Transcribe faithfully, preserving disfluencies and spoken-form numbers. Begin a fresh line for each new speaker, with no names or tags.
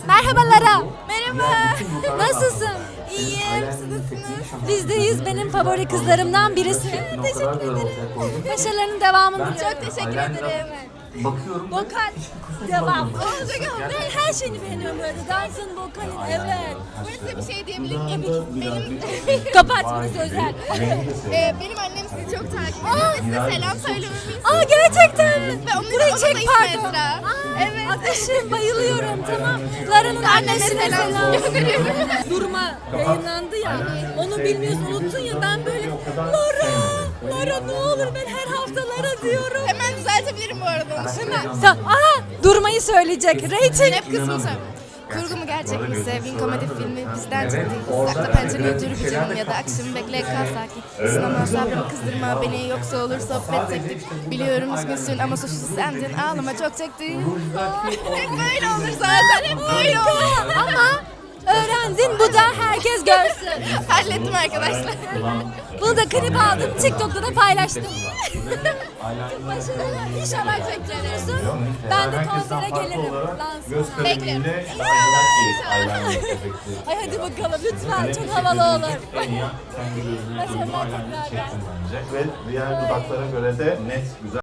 Merhabalara. Merhaba. Nasılsın?
İyiyim, siz nasılsınız?
Bizdeyiz. Benim favori kızlarımdan birisi. Teşekkür ederim. Başarılarının devamını
Çok teşekkür ederim.
Bakıyorum.
Vokal devam. Olacak ama ben her şeyini beğeniyorum böyle. Dansın, vokalin, evet.
Burası bir şey diyebilir miyim? Benim,
Kapat burası özel.
e, benim annem sizi çok takip ediyor ve size selam söylememi
Aa gerçekten mi?
Ve onun
Burayı
onun da
çek
ismi
pardon.
Esra.
Aa,
Evet.
Ateşim bayılıyorum tamam. Lara'nın annesine
selam.
selam. Durma yayınlandı ya. Onu bilmiyorsun unuttun ya ben böyle Lara, Lara ne olur ben her hafta Lara diyorum.
Hemen düzeltebilirim bu arada.
Hemen. Sen, aha durmayı söyleyecek. Rating.
Hep kısmı söyle. Kurgu mu gerçek mi? Sevdiğin komedi filmi bizden çıktı. Sakla pencereni öldür bir canım ya da akşam bekle kal sakin. Sınama sabrımı kızdırma beni yoksa olur sohbet teknik. Biliyorum üzgünsün ama suçlusu sendin ağlama çok çektin. Hep böyle olur zaten hep böyle olur.
Ama öğrendin bu da herkes görsün.
Hallettim arkadaşlar.
Bunu da klip aldım TikTok'ta da paylaştım. Başarılı. İnşallah çektiriyorsun. Ben de konsere gelirim. Lansmana.
Beklerim.
Ay hadi bakalım lütfen çok havalı olur. Başarılar tekrardan.
Ve diğer dudaklara göre de net güzel.